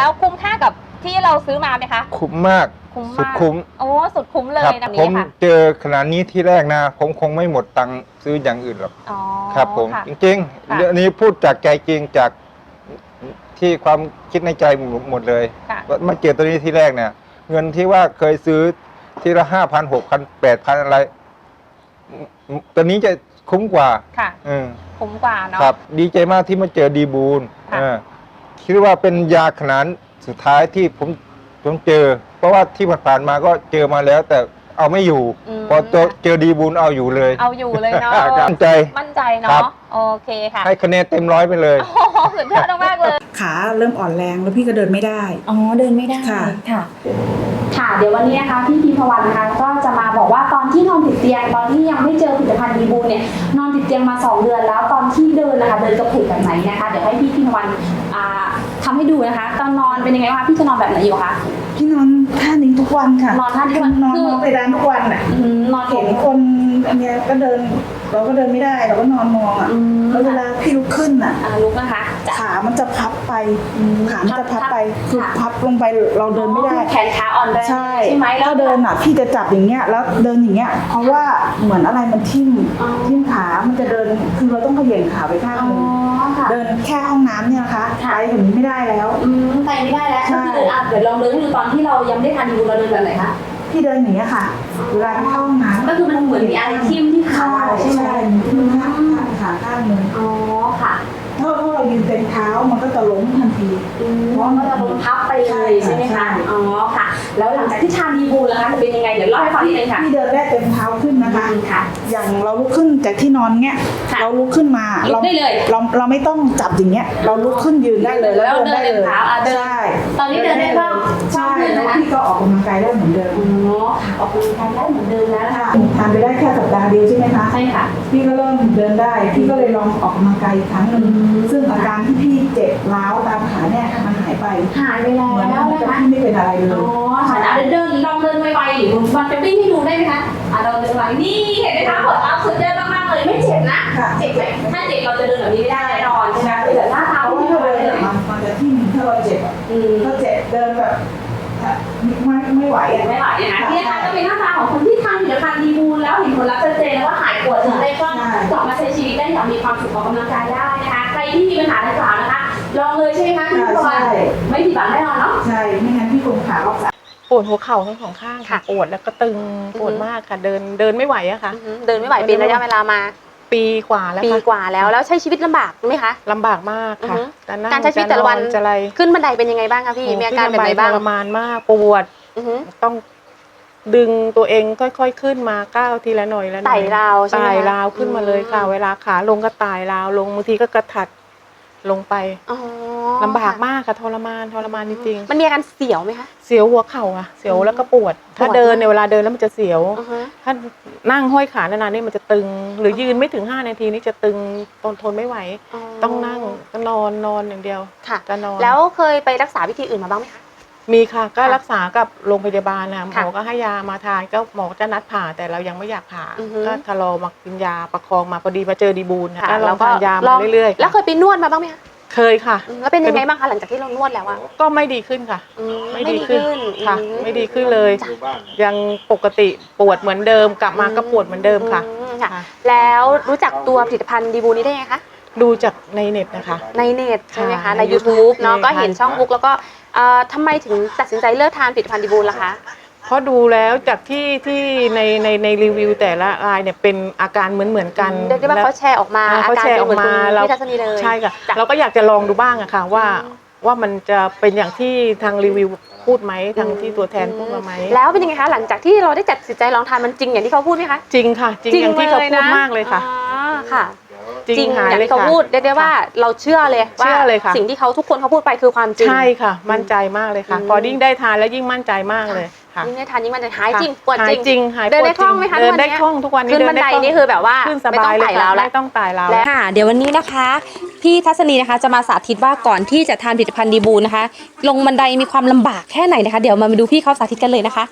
แล้วคุ้มค่ากับที่เราซื้อมาไหมคะคุ้มมากสุดคุ้มโอ้สุดคุ้มเลยแบบผมนี้ค่ะเจอขนาดนี้ที่แรกนะผมคงไม่หมดตังค์ซื้ออย่างอื่นหรอกครับผมจริงๆเรื่องนี้พูดจากใจจริงจากที่ความคิดในใจหมดเลยมาเจอตัวนี้ที่แรกเนี่ยเงินที่ว่าเคยซื้อทีละ5,000 6,000 8,000อะไรตัวนี้จะคุ้มกว่าค่ะคุ้มกว่าเนาะครับดีใจมากที่มาเจอดีบูลคิดว่าเป็นยาขนาดสุดท้ายที่ผมเจอเพราะว่าที่ผ่านมาก็เจอมาแล้วแต่เอาไม่อยู่พอเจอดีบูลเอาอยู่เลยเอาอยู่เลยเนาะมั่นใจเนาะโอเคค่ะให้คะแนนเต็ม100ไปเลยโอ้โหสุดยอดมากเลยขาเริ่มอ่อนแรงแล้วพี่ก็เดินไม่ได้อ๋อเดินไม่ได้ค่ะค่ะเดี๋ยววันนี้นะคะพี่พิมพวันนะคะก็จะมาบอกว่าตอนที่นอนติดเตียงตอนที่ยังไม่เจอผลิตภัณฑ์ดีบูเนี่ยนอนติดเตียงมา2 เดือนแล้วตอนที่เดินนะคะเดินกระเพกแบบไหนนะคะเดี๋ยวให้พี่พิมพวันทำให้ดูนะคะตอนนอนเป็นยังไงบ้างพี่จะนอนแบบไหนอยู่คะพี่นอนท่านี้ทุกวันค่ะนอนท่านี้นอนไปร้านทุกวันอ่ะนอนเห็นคนอันเนี้ยก็เดินเราก็เดินไม่ได้เราก็นอนมองอ่ะแล้วเวลาพี่ลุกขึ้นอ่ะลุกนะคะขามันจะพับไปขามันจะพับไปคือพับลงไปเราเดินไม่ได้แขนขาอ่อนแรงใช่ไหมแล้วเดินอ่ะพี่จะจับอย่างเงี้ยแล้วเดินอย่างเงี้ยเพราะว่าเหมือนอะไรมันทิ่มขามันจะเดินคือเราต้องเขย่งขาไปข้างนึงเดินแค่ห้องน้ำเนี่ยนะคะไปถึงไม่ได้แล้วไปไม่ได้แล้วก็คือเดี๋ยวลองเดินให้ดูตอนที่เรายังไม่ได้ทานดีบูเราเดินแบบไหนคะพี่เดินอย่างเงี้ยค่ะเวลาเข้าห้องน้ำก็คือมันเหมือนมีอะไรทิ่มที่ขาใช่ไหมทิ่มขาข้างนึงอ๋อค่ะถ้าเรายืนเต็มเท้ามันก็จะล้มทันทีเพราะมันจะล้มพับไปเลยใช่ไหมคะอ๋อค่ะแล้วหลังจากที่ทานดีบูแล้วคะจะเป็นยังไงเดี๋ยวเล่าให้ฟังนิดนึงค่ะพี่เดินแรกเต็มเท้าขึ้นนะคะอย่างเราลุกขึ้นจากที่นอนเงี้ยเราลุกขึ้นมาลุกได้เลยเราไม่ต้องจับอย่างเงี้ยเราลุกขึ้นยืนได้เลยแล้วเดินได้เลยใช่ตอนนี้เดินได้บ้างใช่แล้วพี่ก็ออกกำลังกายได้เหมือนเดิมอ๋อออกกำลังกายได้เหมือนเดิมแล้วค่ะทานไปได้แค่สัปดาห์เดียวใช่ไหมคะใช่ค่ะพี่ก็เริ่มเดินได้พี่ก็เลยลองออกกำลังกายอีกครั้งนึงซึ่งอาการที่พี่เจ็บร้าวตามขาเนี่ยมันหายไปแล้วนะคะพี่ไม่เป็นอะไรเลยอ๋อค่ะเดินลองเดินไวๆหรือมันจะวิ่งให้ดูได้ไหมคะเราเดินไวนี่เห็นไหมคะหัวเท้าสุดเดินมากๆเลยไม่เจ็บนะเจ็บไหมถ้าเจ็บเราจะเดินแบบนี้ไม่ได้แน่นอนใช่ไหมแต่หน้าเท้าที่เราเดินมันจะที่ถ้าเราเจ็บถ้าเจ็บเดินแบบไม่ไหวไม่ไหวนะคะที่นะคะก็เป็นหน้าตาของคนที่ทานผลิตภัณฑ์ดีบูลแล้วเห็นผลลัพธ์ชัดเจนแล้วว่าหายปวดถึงได้ก็กลับมาใช้ชีวิตได้อย่างมีความสุขออกกำลังกายได้นะคะใครที่มีปัญหาดังกล่าวนะคะลองเลยใช่ไหมคะพี่พรไม่ผิดหวังแน่นอนเนาะใช่ไม่งั้นพี่คงขาออกปวดหัวเข่าทั้ง2 ข้างค่ะปวดแล้วก็ตึงปวดมากค่ะเดินไม่ไหวอะค่ะเดินไม่ไหวเป็นระยะเวลามาปีกว่าแล้วแล้วใช้ชีวิตลำบากไหมคะลำบากมากค่ะการใช้ชีวิตแต่ละวันขึ้นบันไดเป็นยังไงบ้างคะพี่มีอาการแบบไหนบ้างทรมานมากปวดต้องดึงตัวเองค่อยๆขึ้นมาก้าวทีละหน่อยแล้วไต่ราวใช่ไหมไต่ราวขึ้นมาเลยค่ะเวลาขาลงก็ไต่ราวลงบางทีก็กระถัดลงไปลำบากมากค่ะทรมานจริงๆมันมีอาการเสียวไหมคะเสียวหัวเข่าอะเสียวแล้วก็ปวดถ้าเดินในเวลาเดินแล้วมันจะเสียวถ้านั่งห้อยขานานๆนี่มันจะตึงหรือยืนไม่ถึง5 นาทีนี่จะตึงทนไม่ไหวต้องนั่งก็นอนอย่างเดียวจะนอนแล้วเคยไปรักษาวิธีอื่นมาบ้างไหมคะมีค่ะก็รักษากับโรงพยาบาลนะหมอก็ให้ยามาทานก็หมอจะนัดผ่าแต่เรายังไม่อยากผ่าก็ทะลอมากินยาประคองมาพอดีมาเจอดีบูลนะก็ลองทานยามาเรื่อยๆแล้วเคยไปนวดมาบ้างไหมคะเคยค่ะแล้วเป็นยังไงบ้างคะหลังจากที่เรานวดแล้วอะก็ไม่ดีขึ้นค่ะไม่ดีขึ้นค่ะไม่ดีขึ้นเลยยังปกติปวดเหมือนเดิมกลับมาก็ปวดเหมือนเดิมค่ะแล้วรู้จักตัวผลิตภัณฑ์ดีบูนี้ได้ไงคะดูจากในเน็ตนะคะในเน็ตใช่ไหมคะใน YouTube เนาะก็เห็นช่องบุ๊กแล้วก็ทำไมถึงตัดสินใจเลิกทานผลิตภัณฑ์ดีบูล่ะคะเพราะดูแล้วจากที่ในรีวิวแต่ละรายเนี่ยเป็นอาการเหมือนกันเรียกได้ว่าเขาแชร์ออกมาเขาแชร์ออกมาเราพี่ทัศนีเลยใช่ค่ะเราก็อยากจะลองดูบ้างอะค่ะว่ามันจะเป็นอย่างที่ทางรีวิวพูดไหมทางที่ตัวแทนพูดมาไหมแล้วเป็นยังไงคะหลังจากที่เราได้ตัดสินใจลองทานมันจริงอย่างที่เขาพูดไหมคะจริงค่ะจริงอย่างที่เขาพูดมากเลยค่ะค่ะจริงอย่างที่เขาพูดเรียกได้ว่าเราเชื่อเลยว่าสิ่งที่เขาทุกคนเขาพูดไปคือความจริงใช่ค่ะมั่นใจมากเลยค่ะพอยิ่งได้ทานแล้วยิ่งมั่นใจมากเลยยิ่งได้ทานยิ่งมันจะหายจริงปวดจริงเดินได้คล่องไหมคะเดินได้คล่องทุกวันนี้ขึ้นบันไดนี่คือแบบว่าขึ้นสบายเลยค่ะไม่ต้องไต่ราวแล้วค่ะเดี๋ยววันนี้นะคะพี่ทัศนีนะคะจะมาสาธิตว่าก่อนที่จะทานผลิตภัณฑ์ดีบูนะคะลงบันไดมีความลำบากแค่ไหนนะคะเดี๋ยวมาดูพี่เขาสาธิตกันเลยนะคะ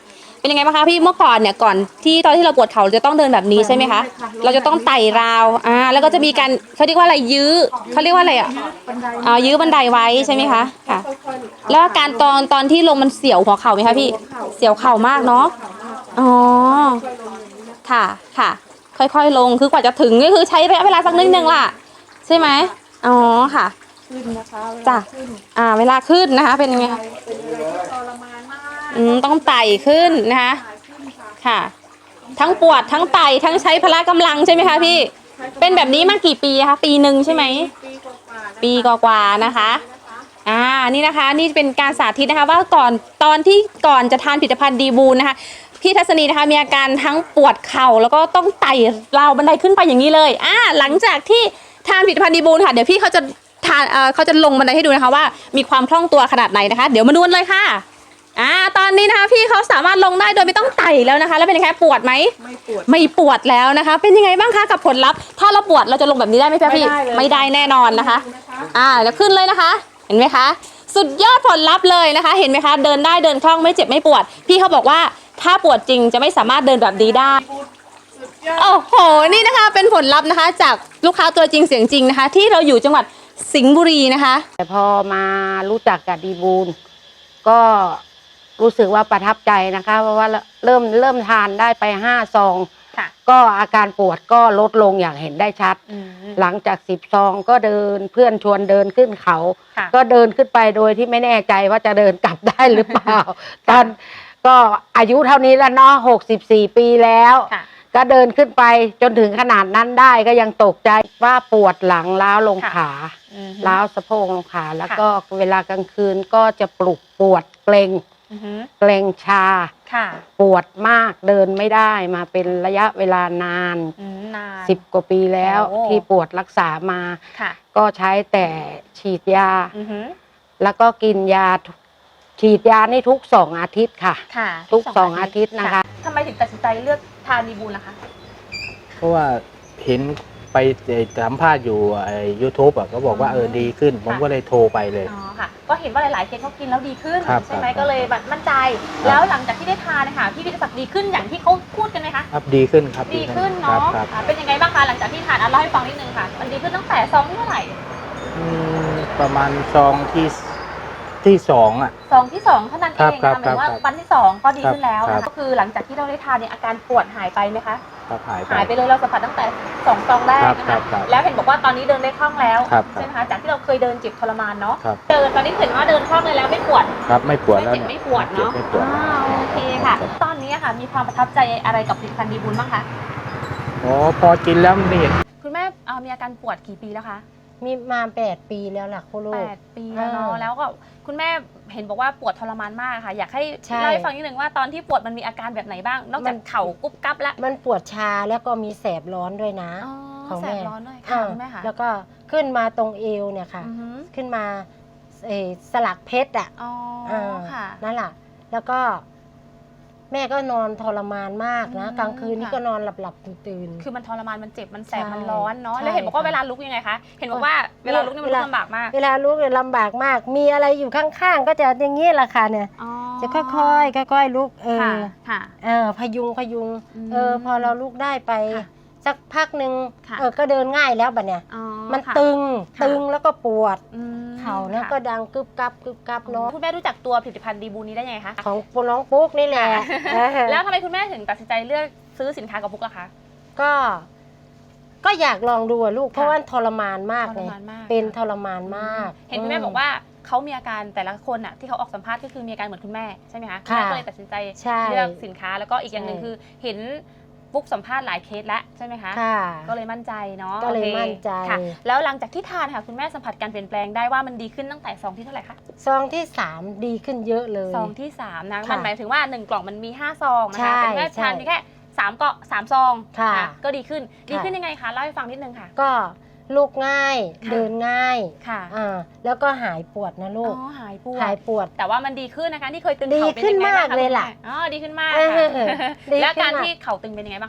เป็นยังไงบ้างคะพี่เมื่อก่อนเนี่ยก่อนที่ตอนที่เราปวดเข่าเราจะต้องเดินแบบนี้ใช่ไหมคะเราจะต้องไต่ราวแล้วก็จะมีการเขาเรียกว่าอะไรยื้อเขาเรียกว่าอะไรยื้อบันไดไว้ใช่ไหมคะค่ะแล้วอาการตอนที่ลงมันเสียวหัวเข่าไหมคะพี่เสียวเข่ามากเนาะอ๋อค่ะค่ะค่อยๆลงคือกว่าจะถึงก็คือใช้ระยะเวลาสักนิดนึงล่ะใช่ไหมอ๋อค่ะจ้ะเวลาขึ้นนะคะเป็นยังไงต้องไต่ขึ้นนะคะค่ะทั้งปวดทั้งไต่ทั้งใช้พละกำลังใช่ไหมคะพี่เป็นแบบนี้มากี่ปีคะปีหนึ่งใช่ไหมปีกว่าๆนะคะนี่นะคะนี่เป็นการสาธิตนะคะว่าตอนที่ก่อนจะทานผลิตภัณฑ์ดีบูนนะคะพี่ทัศนีนะคะมีอาการทั้งปวดเข่าแล้วก็ต้องไต่ราวบันไดขึ้นไปอย่างนี้เลยหลังจากที่ทานผลิตภัณฑ์ดีบูนค่ะเดี๋ยวพี่เขาจะลงบันไดให้ดูนะคะว่ามีความคล่องตัวขนาดไหนนะคะเดี๋ยวมาดูกันเลยค่ะตอนนี้นะคะพี่เขาสามารถลงได้โดยไม่ต้องไต่แล้วนะคะแล้วเป็นยังไงปวดไหมไม่ปวดแล้วนะคะเป็นยังไงบ้างคะกับผลลัพธ์ถ้าเราปวดเราจะลงแบบนี้ได้ไหมพี่ไม่ได้แน่นอนนะคะเดี๋ยวขึ้นเลยนะคะเห็นไหมคะสุดยอดผลลัพธ์เลยนะคะเห็นไหมคะเดินได้เดินคล่องไม่เจ็บไม่ปวดพี่เขาบอกว่าถ้าปวดจริงจะไม่สามารถเดินแบบนี้ได้โอ้โหนี่นะคะเป็นผลลัพธ์นะคะจากลูกค้าตัวจริงเสียงจริงนะคะที่เราอยู่จังหวัดสิงห์บุรีนะคะแต่พอมารู้จักกับดีบูลก็รู้สึกว่าประทับใจนะคะเพราะว่าเริ่มทานได้ไป5 ซองก็อาการปวดก็ลดลงอย่างเห็นได้ชัดหลังจาก10 ซองก็เดินเพื่อนชวนเดินขึ้นเขาก็เดินขึ้นไปโดยที่ไม่แน่ใจว่าจะเดินกลับได้หรือเปล่าตอนก็อายุเท่านี้แล้วเนาะ64 ปีแล้วก็เดินขึ้นไปจนถึงขนาดนั้นได้ก็ยังตกใจว่าปวดหลังล้าวลงขาล้าวสะโพกลงขาแล้วก็เวลากลางคืนก็จะปวดเกร็งชาปวดมากเดินไม่ได้มาเป็นระยะเวลานาน10 กว่าปีแล้วที่ปวดรักษามาก็ใช้แต่ฉีดยาแล้วก็กินยาฉีดยานี่ทุก2 อาทิตย์ค่ะทุก2 อาทิตย์นะคะทำไมถึงตัดสินใจเลือกทานดีบูลล่ะคะเพราะว่าเห็นไปสัมภาษณ์อยู่YouTube ก็บอกว่าดีขึ้นผมก็เลยโทรไปเลยค่ะก็เห็นว่าหลายๆเคสเขากินแล้วดีขึ้นใช่ไหมก็เลยแบบมั่นใจแล้วหลังจากที่ได้ทานนะคะพี่วิทยาศักดิ์ดีขึ้นอย่างที่เขาพูดกันไหมคะครับดีขึ้นครับดีขึ้นเนาะเป็นยังไงบ้างคะหลังจากที่ทานเล่าให้ฟังนิดนึงค่ะมันดีขึ้นตั้งแต่ซองที่เท่าไหร่ประมาณซองที่2 ซองที่2เท่านั้นเองนะหมายว่าวันที่2ก็ดีขึ้นแล้วก็คือหลังจากที่เราได้ทานเนี่ยอาการปวดหายไปไหมคะหายไปเลยเราสัมผัสตั้งแต่2 ซองแรกนะคะแล้วเห็นบอกว่าตอนนี้เดินได้คล่องแล้วใช่ไหมคะจากที่เราเคยเดินเจ็บทรมานเนาะเดินตอนนี้เห็นว่าเดินคล่องเลยแล้วไม่ปวดครับไม่ปวดแล้วไม่ปวดเนาะโอเคค่ะตอนนี้ค่ะมีความประทับใจอะไรกับผลิตภัณฑ์ดีบูลบ้างคะพอกินแล้วมันเห็นคุณแม่มีอาการปวดกี่ปีแล้วคะมีมา8 ปีแล้วล่ะคุณลูก 8 ปีแล้วเนาะแล้วก็คุณแม่เห็นบอกว่าปวดทรมานมากค่ะอยากให้เล่าให้ฟังนิดนึงว่าตอนที่ปวดมันมีอาการแบบไหนบ้างนอกจากเข่ากุ๊บกั๊บแล้วมันปวดชาแล้วก็มีแสบร้อนด้วยนะของแสบร้อนด้วยค่ะคุณแม่ค่ะแล้วก็ขึ้นมาตรงเอวเนี่ยค่ะขึ้นมาสลักเพชรค่ะนั่นแหละแล้วก็แม่ก็นอนทรมานมากนะกลางคืนนี่ก็นอนหลับตื่นคือมันทรมานมันเจ็บมันแสบมันร้อนเนาะแล้วเห็นบอกว่าเวลาลุกยังไงคะเห็นบอกว่าเวลาลุกนี่มันลำบากมากเวลาลุกเนี่ยลำบากมากมีอะไรอยู่ข้างๆก็จะอย่างนี้แหละค่ะเนี่ยจะค่อยๆลุกพยุงพอเราลุกได้ไปสักพักหนึ่งก็เดินง่ายแล้วบัดเนี่ยมันตึงแล้วก็ปวดเข่าแล้วก็ดังกึบกับเนาะคุณแม่รู้จักตัวผลิตภัณฑ์ดีบูนี้ได้ยังไงคะของน้องปุ๊กนี่แหละแล้วทำไมคุณแม่ถึงตัดสินใจเลือกซื้อสินค้ากับปุ๊กล่ะคะก็อยากลองดูลูกเพราะว่าทรมานมากเลยเป็นทรมานมากเห็นคุณแม่บอกว่าเขามีอาการแต่ละคนที่เขาออกสัมภาษณ์ก็คือมีอาการเหมือนคุณแม่ใช่ไหมคะก็เลยตัดสินใจเลือกสินค้าแล้วก็อีกอย่างหนึ่งคือเห็นปุ๊กสัมภาษณ์หลายเคสแล้วใช่ไหมคะก็เลยมั่นใจเนาะก็เลยมั่นใจแล้วหลังจากที่ทานค่ะคุณแม่สัมผัสการเปลี่ยนแปลงได้ว่ามันดีขึ้นตั้งแต่ซองที่เท่าไหร่คะซองที่3ดีขึ้นเยอะเลยซองที่3นะมันหมายถึงว่า1 กล่องมันมี5 ซองนะคะเป็นแม่ทานมีแค่3 ซองก็ดีขึ้นยังไงคะเล่าให้ฟังนิดนึงค่ะก็ลุกง่ายเดินง่ายแล้วก็หายปวดนะลูกหายปวดแต่ว่ามันดีขึ้นนะคะที่เคยตึงเข่าเป็นยังไงบ้างคะดีขึ้นมากเลยล่ะดีขึ้นมากแล้วการที่เข่าตึงเป็นยังไงบ้างคะ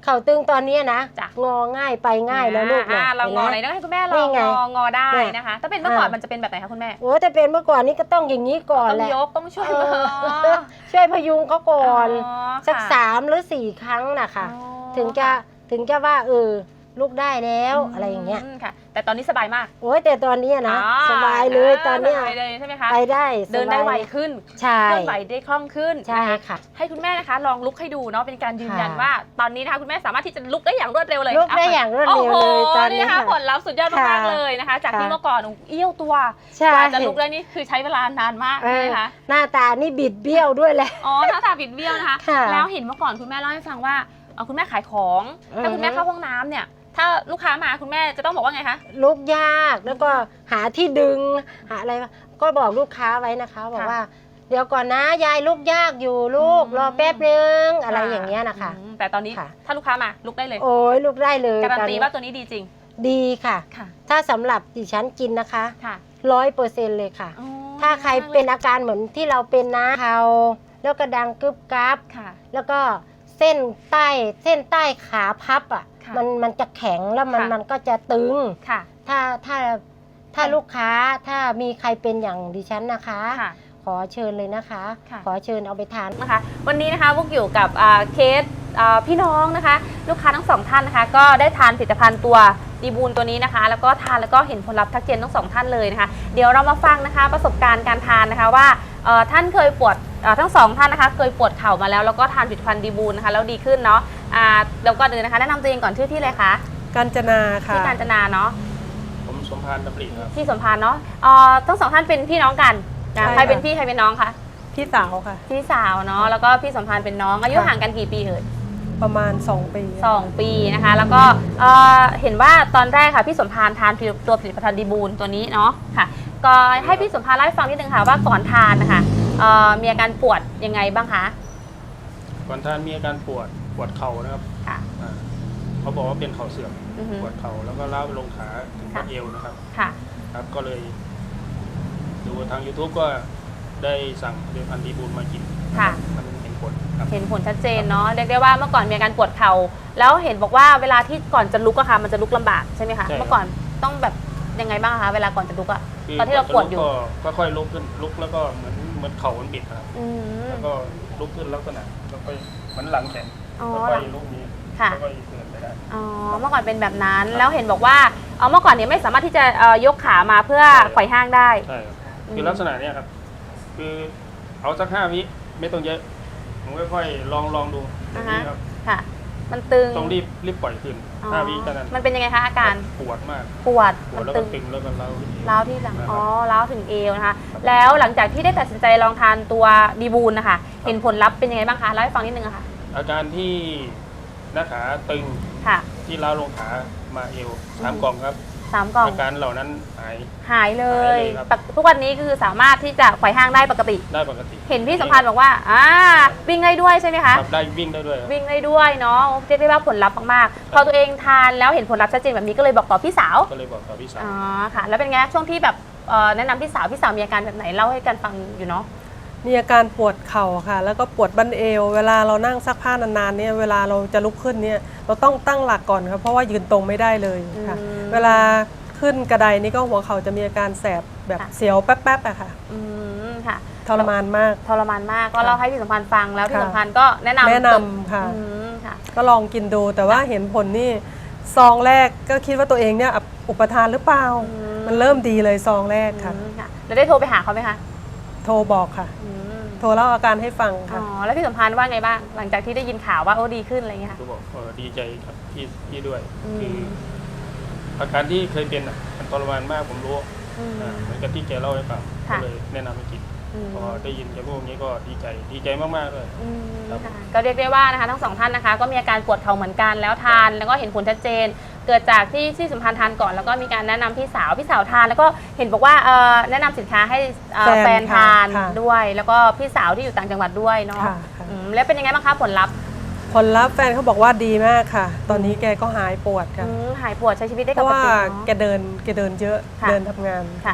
เข่าตึงตอนนี้นะจ้ะงอง่ายไปง่ายแล้วลูกนะเรางอไหนห็นต้ไหมองให้คุณแม่ลนี่องไงงอได้เนี่ยนะคะ ถ้าเป็นเมื่อก่อนอ่ามัมันจะเป็นแบบไหนคะคุณแม่โอ้แต่เป็นเมื่อก่อนนี้ก็ต้องอย่างนี้ก่อนต้องแหละยกต้องช่วยเอมืออช่วยพยุงเขาก่อน สักค่ะ 3 หรือ 4 ครั้งนะคะอ๋อถึงจะว่าลูกได้แล้วอะไรอย่างเงี้ยค่ะ แต่ตอนนี้สบายมากโอ้ยแต่ตอนเนี้ยนะอ๋อสบายเลยตอนเนี้ยสบายเลยใช่ไหมคะไปได้เดินได้สบายไวขึ้นใช่เคลื่อนไหวได้คล่องขึ้นใช่นะคะค่ะให้คุณแม่นะคะลองลุกให้ดูเนาะเป็นการยืนยันค่ะว่า ตอนนี้นะคะคุณแม่สามารถที่จะลุกได้อย่างรวดเร็วเลยลุกได้อย่างรวดเร็วเลยโอ้โหตอนนี้นะคะค่ะผลลัพธ์สุดยอดมากค่ะๆเลยนะคะ จากที่ค่ะเมื่อก่อนเอี้ยวตัวใช่กว่าจะลุกได้นี่คือใช้เวลานานมากเอใช่ไหอมคะหน้าตานี่บิดเบี้ยวด้วยแหละอ๋อหน้าตาบิดเบี้ยวนะคะค่ะแล้วเห็นเมื่อก่อนคุณแม่เล่าให้ฟังว่าคุณแม่ขายของ ถ้าคุณแม่เข้าห้องน้ำเนี่ย ถ้าลูกค้ามาคุณแม่จะต้องบอกว่าไงคะลุกยากแล้วก็หาที่ดึงหาอะไรก็บอกลูกค้าไว้นะคะ บอกว่า เดี๋ยวก่อนนะยายลุกยากอยู่ลูกรอแป๊บนึงอะไรอย่างเงี้ยนะคะแต่ตอนนี้ค่ะถ้าลูกค้ามาลุกได้เลยโอ้ยลุกได้เลยการันตอตีว่าตัวนี้ดีจริงดีค่ะค่ะถ้าสำหรับดิฉันกินนะคะค่ะ 100%เลยค่ะอ๋อถ้าใครเป็นอาการเหมือนที่เราเป็นนะเขาแล้วก็ดังกึบกับค่ะแล้วก็เส้นใต้ขาพับอ่ะค่ะมันจะแข็งแล้วค่ะมันก็จะตึงค่ะถ้าลูกค้าถ้ามีใครเป็นอย่างดิฉันนะคะค่ะขอเชิญเลยนะคะค่ะขอเชิญเอาไปทานนะคะวันนี้นะคะพวกอยู่กับเคสพี่น้องนะคะ ลูกค้าทั้งสองท่านนะคะ ก็ได้ทานผลิตภัณฑ์ตัวดีบูลตัวนี้นะคะ แล้วก็ทานแล้วก็เห็นผลลัพธ์ทักเจนทั้งสองท่านเลยนะคะ เดี๋ยวเรามาฟังนะคะประสบการณ์การทานนะคะว่าท่านเคยปวดทั้งสองท่านนะคะเคยปวดเข่ามาแล้วแล้วก็ทานผลิตภัณฑ์ดีบูลนะคะแล้วดีขึ้นเนาะแล้วก็เดินนะคะแนะนำตัวเองก่อนชื่อที่เลยคะกาญจนาค่ะที่กาญจนาเนาะผมสมพานดำริครับที่สมพานเนาะทั้งสองท่านเป็นพี่น้องกันนะใช่ใครเป็นค่ะพี่ใครเป็นน้องคะพี่สาวค่ะพี่สาวเนาะแล้วก็พี่สมพานเป็นน้องอายุค่ะห่างกันกี่ปีเอ่ยประมาณ 2 ปี 2 ปีนะคะ แล้วก็เห็นว่าตอนแรกค่ะพี่สมพานทานตัวผลิตภัณฑ์ดีบูลตัวนี้เนาะค่ะ ก็ให้พี่สมพานเล่าให้ฟังนิดนึงค่ะว่าก่อนทานนะคะมีอาการปวดยังไงบ้างคะก่อนท่านมีอาการปวดเข่านะครับค่ะเขาบอกว่าเป็นเข่าเสื่อมอือฮึปวดเข่าแล้วก็ล้าวไปลงขาถึงค่ะบัดเอวนะครับค่ะครับก็เลยดูทาง YouTube ก็ได้สั่งผลิตภัณฑ์ดีบูลมากินค่ะมันเห็นผลครับเห็นผลชัดเจนเนาะเรียกได้ว่าเมื่อก่อนมีอาการปวดเข่าแล้วเห็นบอกว่าเวลาที่ก่อนจะลุกอะค่ะมันจะลุกลำบากใช่ไหมคะใช่ครับเมื่อก่อนต้องแบบยังไงบ้างคะเวลาก่อนจะลุกอะคืตอนที่เราปวดอยู่ก็ค่อยลุกขึ้นลุกแล้วก็เหมือนเข่ามันบิดครับอืมแล้วก็ลุกขึ้นลักษณะแล้วก็เหมือนหลังแข็งอ๋อแล้วก็ลุกนี้ค่ะแล้วก็เดินไปได้อ๋อเมื่อก่อนเป็นแบบนั้นแล้วเห็นบอกว่าเมื่อก่อนเนี่ยไม่สามารถที่จะยกขามาเพื่อใช่ครับไขว่ห้างได้ใช่ครับอืมคือลักษณะเนี้ยครับ คือเอาสัก5 วิไม่ต้องเยอะผมค่อยๆลองดูอย่างนี้ครับค่ะ มันตึงต้องรีบปล่อยขึ้นอ๋อ 5 วิเท่านั้นมันเป็นยังไงคะอาการปวดมากปวดปวมัดนแล้วตึก็งตึงแล้วก็เล้าร้าวที่หลังนะครับอ๋อร้าวถึงเอวนะคะ แล้วหลังจากที่ได้ตัดสินใจลองทานตัวดีบูลนะคะ เห็นผลลัพธ์เป็นยังไงบ้างคะเล่าให้ฟังนิดนึงอะค่ะอาการที่หน้าขาตึงค่ะที่ล้าวลงขามาเอว3 กล่องครับ 3 กล่องอาการเหล่านั้นหายหายเลหาย ยเลยครับทุกวันนี้คือสามารถที่จะไขว่ห้างได้ปกติได้ปกติเห็นพี่สัมพันธ์บอกว่าวิ่งได้ด้วยใช่ไหมคะครับได้วิ่งได้ด้วยครับวิ่งได้ด้วยเนาะเรียกได้ว่าผลลัพธ์มากๆ พอตัวเองทานแล้วเห็นผลลัพธ์ชัดเจนแบบนี้ก็เลยบอกต่อพี่สาวก็เลยบอกกับพี่สาวอ๋อค่ะ แล้วเป็นไงช่วงที่แบบแนะนำพี่สาวมีอาการแบบไหนเล่าให้กันฟังอยู่เนาะมีอาการปวดเข่าค่ะ แล้วก็ปวดบั้นเอว เวลาเรานั่งซักผ้านานๆเนี่ยเวลาเราจะลุกขึ้นเนี่ยเราต้องตั้งหลักก่อนครับเพราะว่ายืนตรงไม่ได้เลยค่ะอืมเวลาขึ้นกระไดนี่ก็หัวเข่าจะมีอาการแสบแบบค่ะเสียวแป๊บๆอะค่ะอืมค่ะทรมานมากทรมานมากก็เล่าให้พี่สัมพันธ์ฟังแล้วพี่ค่ะสัมพันธ์ก็แนะนำแนะนำค่ะอืมค่ะก็ลองกินดูแต่ว่าเห็นผลนี่ซองแรกก็คิดว่าตัวเองเนี่ยอุปทานหรือเปล่าอืมมันเริ่มดีเลยซองแรกค่ะอืมค่ะแล้วได้โทรไปหาเขาไหมคะโทรบอกค่ะอืมโทรเล่าอาการให้ฟังอ๋ค่ะอแล้วพี่สัมพันธ์ว่าไงบ้างหลังจากที่ได้ยินข่าวว่าโอ้ดีขึ้นอะไรอย่างเงี้ยค่ะก็บอกดีใจครับพี่ด้วยอืมคืออาการที่เคยเป็นมันทรมานมากผมรู้อืมเหมือนกับที่แกเล่าให้ฟังก็ค่ะเลยแนะนำให้กินอืมพอได้ยินแกพูดอย่างนี้ก็ดีใจมากๆเลยอืมครับค่ะก็เรียกได้ว่านะคะทั้งสองท่านนะคะก็มีอาการปวดเข่าเหมือนกันแล้วทานแล้วก็เห็นผลชัดเจน เกิดจากที่สัมพันธ์ทานก่อนแล้วก็มีการแนะนำพี่สาวทานแล้วก็เห็นบอกว่าแนะนำสินค้าให้แฟนทานค่ะด้วย แล้วก็พี่สาวที่อยู่ต่างจังหวัดด้วยเนาะค่ะค่ะแล้วเป็นยังไงบ้างคะผลลัพธ์ผลลัพธ์แฟนเขาบอกว่าดีมากค่ะ ตอนนี้แกก็หายปวดค่ะหายปวดใช้ชีวิตได้เพปราะกว่าติแกเดินเยอะค่ะเดินทำงานค่ะ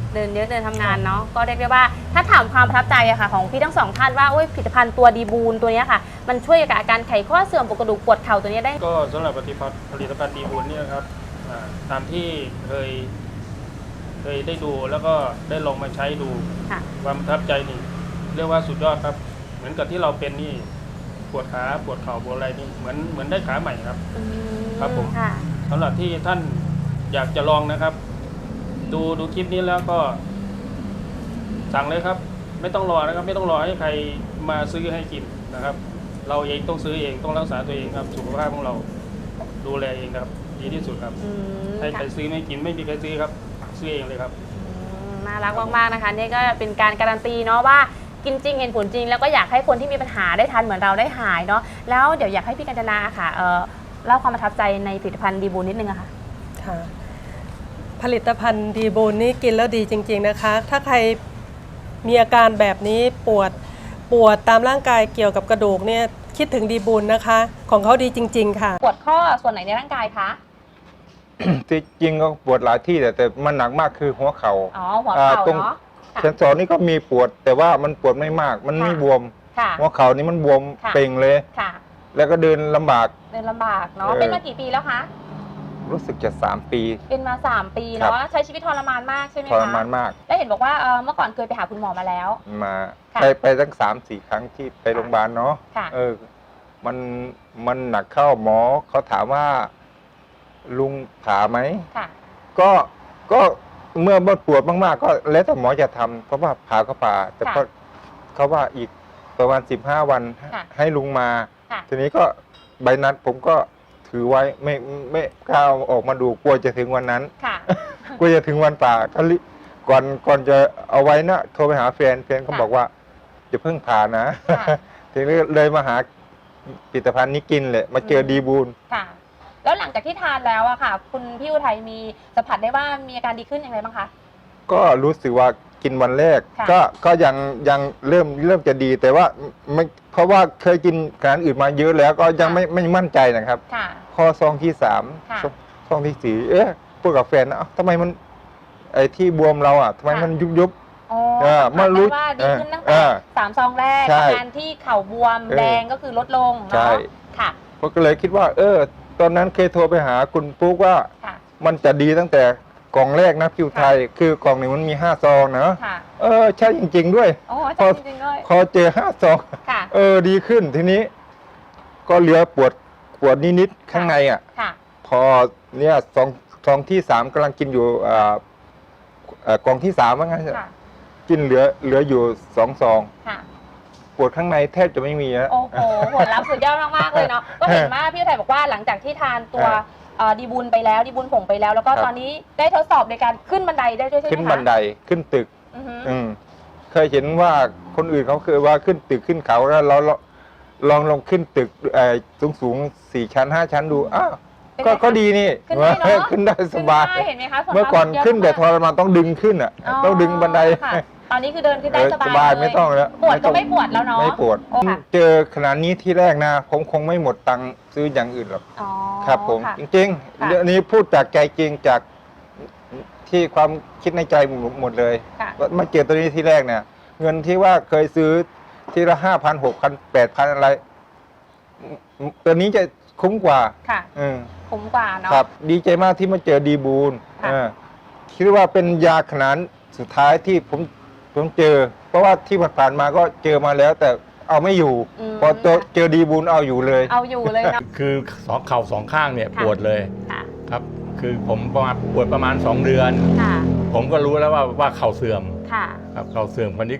เดินเยอะเดินทำงานเนาะก็เรียกได้ว่าถ้าถามความประทับใจอะค่ะของพี่ทั้งสองท่านว่าผลิตภัณฑ์ตัวดีบูนตัวนี้ค่ะมันช่วยกับอาการไขข้อเสื่อมปวดกระดูกปวดเข่าตัวนี้ได้ก็สำหรับผลิตภัณฑ์ดีบุญเนี่ยครับตามที่เคยได้ดูแล้วก็ได้ลองมาใช้ดูความประทับใจนี่เรียกว่าสุดยอดครับเหมือนกับที่เราเป็นนี่ปวดขาปวดเข่าปวดอะไรนี่เหมือนได้ขาใหม่ครับครับผมสำหรับที่ท่านอยากจะลองนะครับดูคลิปนี้แล้วก็สั่งเลยครับไม่ต้องรอนะครับไม่ต้องรอให้ใครมาซื้อให้กินนะครับเราเองต้องซื้อเองต้องรักษาตัวเองครับสุขภาพของเราดูแลเองครับดีที่สุดครับให้ใครซื้อไม่กินไม่มีใครซื้อครับซื้อเองเลยครับน่ารักมากๆนะคะนี่ก็เป็นการการันตีเนาะว่ากินจริงเห็นผลจริงแล้วก็อยากให้คนที่มีปัญหาได้ทานเหมือนเราได้หายเนาะแล้วเดี๋ยวอยากให้พี่กัญจนาค่ะเล่าความประทับใจในผลิตภัณฑ์ดีบูนนิดนึงอะค่ะค่ะผลิตภัณฑ์ดีบูนนี่กินแล้วดีจริงๆนะคะถ้าใครมีอาการแบบนี้ปวดตามร่างกายเกี่ยวกับกระดูกเนี่ยคิดถึงดีบูนนะคะของเขาดีจริงๆค่ะปวดข้อส่วนไหนในร่างกายคะที่จริงก็ปวดหลายที่แต่มันหนักมากคือหัวเข่าหัวเข่าเนาะเซนสอนนี่ก็มีปวดแต่ว่ามันปวดไม่มากมันไม่บวมหัวเข่านี่มันบวมเป่งเลยแล้วก็เดินลำบากเนาะเป็นมากี่ปีแล้วคะรู้สึกจะ3 ปีเป็นมา3 ปีเนาะใช้ชีวิตทรมานมากใช่ไหมคะทรมานมากแล้วเห็นบอกว่าเมื่อก่อนเคยไปหาคุณหมอมาแล้วไปตั้ง3-4 ครั้งที่ไปโรงพยาบาลเนาะมันหนักเข้าหมอเขาถามว่าลุงผ่าไหมก็เมื่อปวดมากๆก็แล้วแต่หมอจะทำเพราะว่าผ่าก็ผ่าแต่เขาว่าอีกประมาณ15 วันให้ลุงมาทีนี้ก็ใบนัดผมก็ถือไว้ไม่กล้าออกมาดูกลัวจะถึงวันนั้นกลัวจะถึงวันผ่าก่อนจะเอาไว้นะโทรไปหาแฟนเขาบอกว่าจะเพิ่งผ่านะทีนี้เลยมาหาผลิตภัณฑ์นี้กินเลยมาเจอดีบูนแล้วหลังจากที่ทานแล้วอะค่ะคุณพี่อุทัยมีสัมผัสได้ว่ามีอาการดีขึ้นอย่างไรบ้างคะก็รู้สึกว่ากินวันแรกก็ยังเริ่มจะดีแต่ว่าไม่เพราะว่าเคยกินอาหารอื่นมาเยอะแล้วก็ยังไม่มั่นใจนะครับพอซองที่3ซองที่4พูดกับแฟนนะทำไมมันไอ้ที่บวมเราอะทำไมมันยุบมารู้ว่าดีขึ้นตั้งแต่3 ซองแรกอาการที่เข่าบวมแดงก็คือลดลงเนาะค่ะก็เลยคิดว่าตอนนั้นเคยโทรไปหาคุณปุ๊กว่ามันจะดีตั้งแต่กล่องแรกนะพิวไทยคือกล่องหนึ่งมันมี5 ซองนะใช่จริงๆด้วยพอเจอ5 ซองดีขึ้นทีนี้ก็เหลือปวดนิดๆข้างในอ่ะพอเนี่ยซองที่3กำลังกินอยู่กล่องที่3ว่างั้นกินเหลืออยู่2 ซองปวดข้างในแทบจะไม่มีแล้วโอ้โหผลลัพธ์สุดยอดมากๆเลยเนาะก็เห็นว่าพี่อุทัยบอกว่าหลังจากที่ทานตัวดีบุญไปแล้วดีบุญผงไปแล้วแล้วก็ตอนนี้ได้ทดสอบในการขึ้นบันไดได้ด้วยใช่ไหมคะขึ้นบันไดขึ้นตึกเคยเห็นว่าคนอื่นเขาเคยว่าขึ้นตึกขึ้นเขาแล้วเราลองขึ้นตึกสูง4 ชั้น 5 ชั้นดูก็ดีนี่ขึ้นได้สบายเมื่อก่อนขึ้นแต่ทรมานต้องดึงขึ้นอ่ะต้องดึงบันไดตอนนี้คือเดินขึ้นได้สบายไม่ต้องแล้วปวดก็ไม่ปวดแล้วเนาะไม่ปวดเจอขนาดนี้ที่แรกนะผมคงไม่หมดตังค์ซื้ออย่างอื่นหรอกครับผมจริงๆเรื่องนี้พูดจากใจจริงจากที่ความคิดในใจหมดเลยมาเจอตัวนี้ที่แรกเนี่ยเงินที่ว่าเคยซื้อทีละ5,000 6,000 8,000อะไรตัวนี้จะคุ้มกว่าคุ้มกว่าเนาะครับดีใจมากที่มาเจอดีบูนคิดว่าเป็นยาขนาดสุดท้ายที่ผมเจอเพราะว่าที่ผ่านมาก็เจอมาแล้วแต่เอาไม่อยู่พอเจอดีบูนเอาอยู่เลยนะคือเข่า2 ข้างเนี่ยปวดเลยครับคือผมปวดประมาณ2 เดือนผมก็รู้แล้วว่าเข่าเสื่อมครับเข่าเสื่อมคนนี้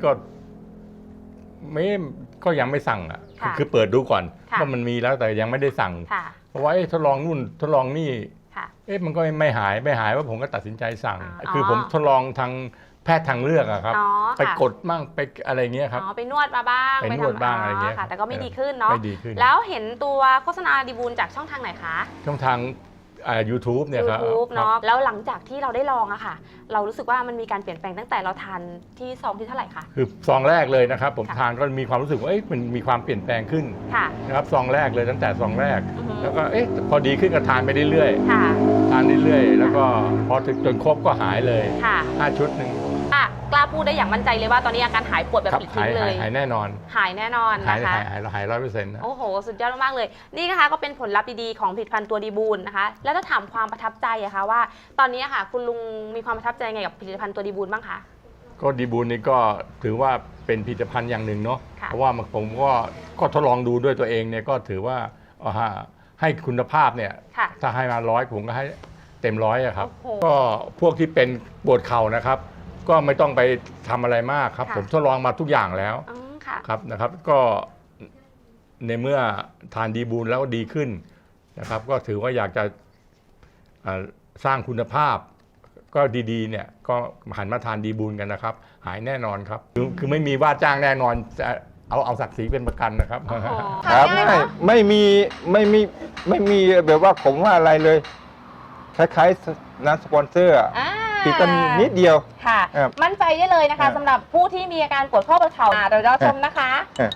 ก็ยังไม่สั่งอ่ะคือเปิดดูก่อนว่ามันมีแล้วแต่ยังไม่ได้สั่งเพราะว่าทดลองนู่นทดลองนี่มันก็ไม่หายว่าผมก็ตัดสินใจสั่งคือผมทดลองทางแพทย์ทางเลือกอะครับไปกดมั่งไปอะไรเงี้ยครับไปนวดมาบ้างไปนวดบ้างอะไรเงี้ยแต่ก็ไม่ดีขึ้นเนาะแล้วเห็นตัวโฆษณาดีบูนจากช่องทางไหนคะช่องทาง YouTube เนี่ยครับ YouTube เนาะแล้วหลังจากที่เราได้ลองอะค่ะเรารู้สึกว่ามันมีการเปลี่ยนแปลงตั้งแต่เราทานที่ซองที่เท่าไหร่คะคือซองแรกเลยนะครับผมทานก็มีความรู้สึกว่ามันมีความเปลี่ยนแปลงขึ้นนะครับซองแรกเลยตั้งแต่ซองแรกแล้วก็พอดีขึ้นก็ทานไปเรื่อยๆทานเรื่อยๆแล้วก็พอถึงจนครบก็หายเลย5 ชุดหนึ่งกล้าพูดได้อย่างมั่นใจเลยว่าตอนนี้อาการหายปวดแบบครับปลิดทิ้งเลยหายแน่นอนหายแน่นอนหายนะคะหาย100%นะโอ้โห สุดยอดมากๆเลย นี่นะคะก็เป็นผลลัพธ์ดีๆของผลิตภัณฑ์ตัวดีบูลนะคะ แล้วถ้าถามความประทับใจอะคะว่า ตอนนี้อะค่ะคุณลุงมีความประทับใจไงกับผลิตภัณฑ์ตัวดีบูลบ้างคะก็ดีบูลนี่ก็ถือว่าเป็นผลิตภัณฑ์อย่างหนึ่งเนาะค่ะเพราะว่าผมก็ทดลองดูด้วยตัวเองเนี่ยก็ถือว่าให้คุณภาพเนี่ยค่ะถ้าให้มา100ผมก็ให้เต็ม100อะครับโอ้โหก็พวกที่เป็นปวดเข่านะครับ ก็ไม่ต้องไปทำอะไรมากครับค่ะผมทดลองมาทุกอย่างแล้วอืมค่ะครับนะครับ ก็ในเมื่อทานดีบูลแล้วดีขึ้นนะครับ ก็ถือว่าอยากจะสร้างคุณภาพ ก็ดีๆเนี่ยก็หันมาทานดีบูลกันนะครับ หายแน่นอนครับ คือไม่มีว่าจ้างแน่นอนจะเอาศักดิ์ศรีเป็นประกันนะครับโอ้โหครับทานง่ายเนอะไม่มีแบบว่าผมว่าอะไรเลย คล้ายๆน้ำสปอนเซอร์อะอ่าติดกันนิดเดียวค่ะครับมั่นใจได้เลยนะครัคะบสำหรับผู้ที่มีอาการปวดข้อประเข่าเดี๋ยวเราชมนะคะ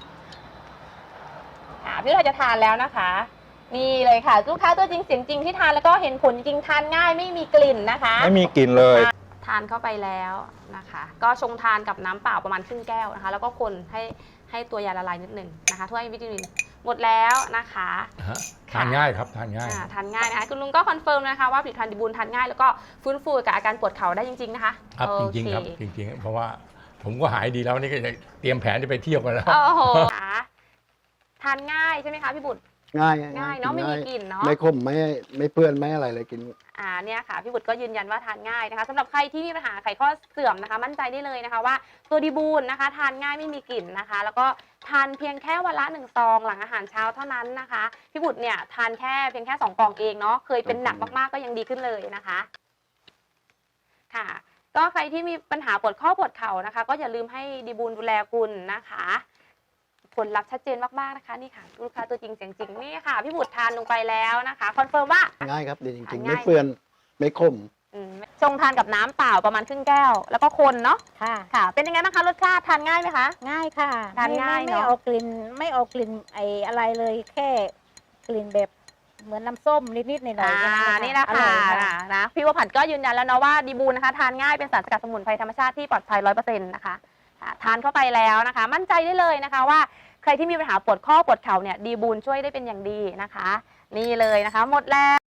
พี่เราจะทานแล้วนะคะ นี่เลยค่ะลูกค้าตัวจริงเสียงจริงที่ทานแล้วก็เห็นผลจริงทานง่ายไม่มีกลิ่นนะคะไม่มีกลิ่นเลยทานเข้าไปแล้วนะคะ ก็ชงทานกับน้ำเปล่าประมาณครึ่งแก้วนะคะ แล้วก็คนให้ตัวยาละลายนิดหนึ่งนะคะถ้วยวิตามินหมดแล้วนะคะทานง่ายครับทานง่ายทานง่ายนะคะคุณลุงก็คอนเฟิร์มนะคะว่าผลิตภัณฑ์ดีบูลทานง่ายแล้วก็ฟื้นฟูกับอาการปวดเข่าได้จริงๆนะคะครับโอจริงเคๆครับจริงๆเพราะว่าผมก็หายดีแล้วนี่ก็จะเตรียมแผนจะไปเที่ยวกันแล้วโอ้โหทานง่ายใช่ไหมคะพี่บุตรง่ายง่ายเนาะไม่มีกลิ่นเนาะไม่ขมไม่เปื้อนไม่อะไรเลยกินเนี่ยค่ะพี่บุตรก็ยืนยันว่าทานง่ายนะคะสำหรับใครที่มีปัญหาไขข้อเสื่อมนะคะ มั่นใจได้เลยนะคะว่าตัวดีบูลนะคะ ทานง่ายไม่มีกลิ่นนะคะ แล้วก็ทานเพียงแค่วันละ1 ซองหลังอาหารเช้าเท่านั้นนะคะพี่บุตรเนี่ยทานเพียงแค่2 กล่องเองเนาะเคยเป็นหนักมากๆก็ยังดีขึ้นเลยนะคะค่ะ ก็ใครที่มีปัญหาปวดข้อปวดเข่านะคะ ก็อย่าลืมให้ดีบูลดูแลคุณนะคะผลลัพธ์ชัดเจนมากๆนะคะนี่ค่ะลูกค้าตัวจริงเสียงจริงนี่ค่ะพี่บุตรทานลงไปแล้วนะคะคอนเฟิร์มว่าง่ายครับดีจริงๆง่ายไม่เปื้อนไม่ขมชงทานกับน้ำเปล่าประมาณครึ่งแก้ว แล้วก็คนเนาะค่ะค่ะ เป็นยังไงบ้างคะรสชาติทานง่ายไหมคะง่ายค่ะทานง่ายไม่เนอะเอากลิ่นไม่เอากลิ่นไออะไรเลยแค่กลิ่นแบบเหมือนน้ำส้มนิดๆหน่อยๆแค่นี่แหละอร่ค่ะอยค่ะนะพี่วผัดก็ยืนยันแล้วเนาะว่าดีบูลนะคะทานง่ายเป็นสารสกัดสมุนไพรธรรมชาติที่ปลอดภัย100%นะคะทานเข้าไปแล้วนะคะ มั่นใจได้เลยนะคะว่าใครที่มีปัญหาปวดข้อปวดเข่าเนี่ยดีบูลช่วยได้เป็นอย่างดีนะคะ นี่เลยนะคะ หมดแล้ว